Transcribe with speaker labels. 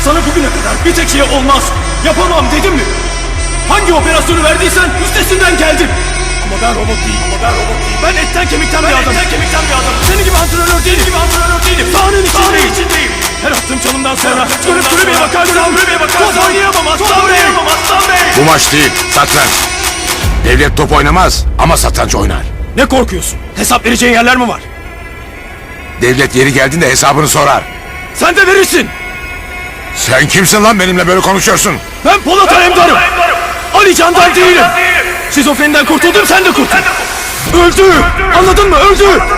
Speaker 1: Sana bugüne kadar bir tek şey olmaz, yapamam dedim mi? Hangi operasyonu verdiysen üstesinden geldim. Ama ben robot değilim. Ben etten kemikten bir adamım. Senin gibi antrenör değilim. Sahanın içindeyim. Her attığım çalımdan sonra dönüp kulübeye bakarsam top oynayamam Aslan Bey.
Speaker 2: Bu maç değil, satranç. Devlet top oynamaz ama satranç oynar.
Speaker 1: Ne korkuyorsun? Hesap vereceğin yerler mi var?
Speaker 2: Devlet yeri geldiğinde hesabını sorar.
Speaker 1: Sen de verirsin.
Speaker 2: Sen kimsin lan benimle böyle konuşuyorsun?
Speaker 1: Ben Polat Alemdar'ım. Ali Can'dan değilim. Şizofreniden kurtuldum, sen de kurtul. Öldü. Anladın mı? Öldü.